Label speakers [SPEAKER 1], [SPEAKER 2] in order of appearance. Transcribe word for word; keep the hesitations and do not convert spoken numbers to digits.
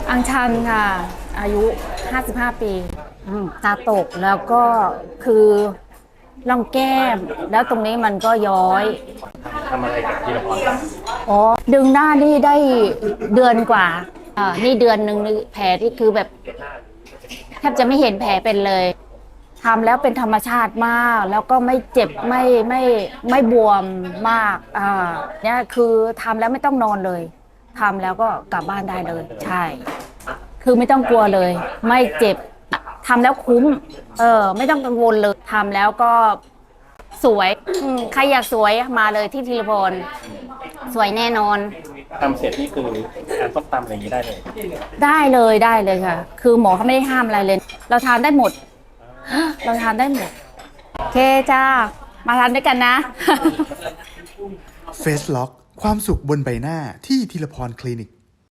[SPEAKER 1] อังชันค่ะอายุห้าสิบห้าปีอืมตาตกแล้วก็คือร่องแก้มแล้วตรงนี้มันก็ย้อย
[SPEAKER 2] ทำอะไรกับธีรพรบ้าง
[SPEAKER 1] อ๋อดึงหน้านี่ได้เดือนกว่าอ่านี่เดือนหนึ่งนี่แผลที่คือแบบแทบจะไม่เห็นแผลเป็นเลยทำแล้วเป็นธรรมชาติมากแล้วก็ไม่เจ็บไม่ไม่ไม่บวมมากอ่าเนี่ยคือทำแล้วไม่ต้องนอนเลยทำแล้วก็กลับบ้านได้เลยใช่คือไม่ต้องกลัวเลยไม่เจ็บทำแล้วคุ้มเออไม่ต้องกังวลเลยทำแล้วก็สวยอืมใครอยากสวยมาเลยที่ธีรพลสวยแน่นอน
[SPEAKER 2] ทำเสร็จนี่คือการต้มตำอะไรอย่างนี้ได้เลย
[SPEAKER 1] ได้เลยได้เลยค่ะคือหมอเขาไม่ได้ห้ามอะไรเลย เราทานได้หมดเราทานได้หมดโอเคจ้ามาทานด้วยกันนะ
[SPEAKER 3] เฟสล็อกความสุขบนใบหน้าที่ธีรพรคลินิก